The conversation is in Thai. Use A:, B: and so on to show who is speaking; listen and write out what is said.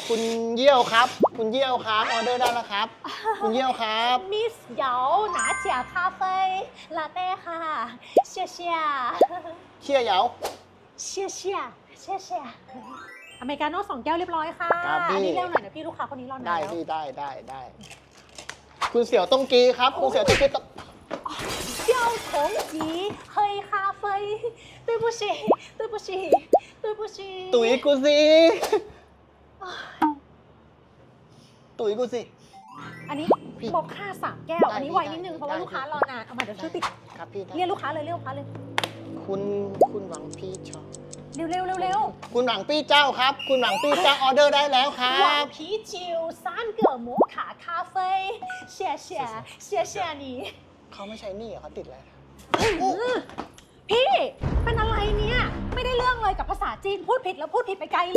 A: คุณเยี่ยวครับ คุณเยี่ยวครับออเดอร์ได้แล้วครับ คุณเยี่ยวครับ
B: มิสเหยา拿铁咖啡ลาเต้ค่ะเชียเชีย
A: เชี่ยเหยา
B: เชียเชียเชียเชียอเมริกาโน่2 แก้วเรียบร้อยค่ะ
A: ครับพี่
B: อันนี้เร็วหน่อยนะพี่ลูกค้าคนนี้รอนาน
A: ได้
B: แล้ว
A: พี่ได้คุณเสี่ยวต้งกีครับ คุณเสี่ยวต้งกีต้อง
B: เจ้าของจีเฮยคาเฟ่对不起对不起对不起
A: ตุ๋ยกูสิตุ๋ยกูสิ
B: อันนี้
A: พี่
B: บอกค่า3 แก้ว
A: ได้
B: อันนี้
A: พี่
B: ไวนิดนึง
A: ได้
B: เพราะว่า
A: ได้
B: ลูกค้ารอนานเอามาเดี๋ยวช่วยติด
A: ครับพี่ได้
B: เรียกลูกค้าเลยเรียกลูกค้าเลย
A: คุณหวังพี่ชอบ
B: เร็วเร็วเร็วเร็ว
A: คุณหวังปี้เจ้าครับ คุณหวังปี้เจ้าออเดอร์ได้แล้วครั
B: หวา
A: บ
B: น啤酒3个摩卡咖啡谢谢谢谢你
A: เขาไม่ใช้หนี่เหรอเขาติดอะไร
B: พี่เป็นอะไรเนี่ยไม่ได้เรื่องเลยกับภาษาจีนพูดผิดแล้วพูดผิดไปไกล